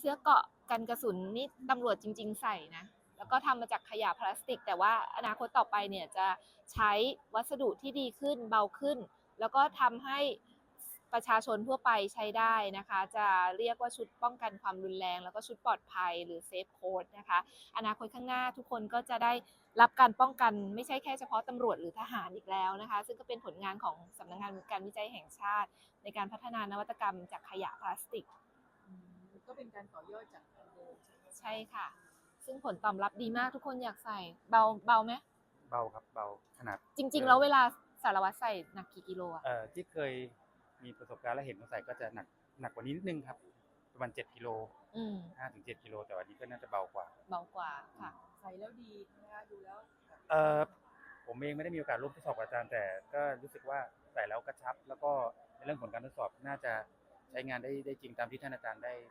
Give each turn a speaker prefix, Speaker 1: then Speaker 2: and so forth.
Speaker 1: เสื้อเกราะกันกระสุนนี่ตำรวจจริงๆใส่นะแล้วก็ทำมาจากขยะพลาสติกแต่ว่าอนาคตต่อไปเนี่ยจะใช้วัสดุที่ดีขึ้นเบาขึ้นแล้วก็ทำให้ประชาชนทั่วไปใช้ได้นะคะจะเรียกว่าชุดป้องกันความรุนแรงแล้วก็ชุดปลอดภัยหรือเซฟโค้ดนะคะอนาคตข้างหน้าทุกคนก็จะได้รับการป้องกันไม่ใช่แค่เฉพาะตำรวจหรือทหารอีกแล้วนะคะซึ่งก็เป็นผลงานของสำนักงานการวิจัยแห่งชาติในการพัฒนานวัตกรรมจากขยะพลาสติก
Speaker 2: ก็เป็นการต่อยอดจากอันเดิมใช่ไหม
Speaker 1: ใช่ค่ะซึ่งผลตอบรับดีมากทุกคนอยากใส่เบาไหม
Speaker 3: เบาครับเบาขนาด
Speaker 1: จริงๆแล้วเวลาสารวัตรใส่หนักกี่กิโลอะ
Speaker 3: ที่เคยมีประสบการณ์และเห็นเขาใส่ก็จะหนักกว่านี้นิดนึงครับประมาณ7 กิโล5 ถึง 7 กิโลแต่วันนี้ก็น่าจะเบากว่า
Speaker 1: ค่ะ
Speaker 2: ใส่แล้วดีนะคะดูแล้ว
Speaker 3: เออผมเองไม่ได้มีโอกาสร่วมทดสอบกับอาจารย์แต่ก็รู้สึกว่าใส่แล้วกระชับแล้วก็ในเรื่องผลการทดสอบน่าจะใช้งานได้จริงตามที่ท่านอาจารย์ได้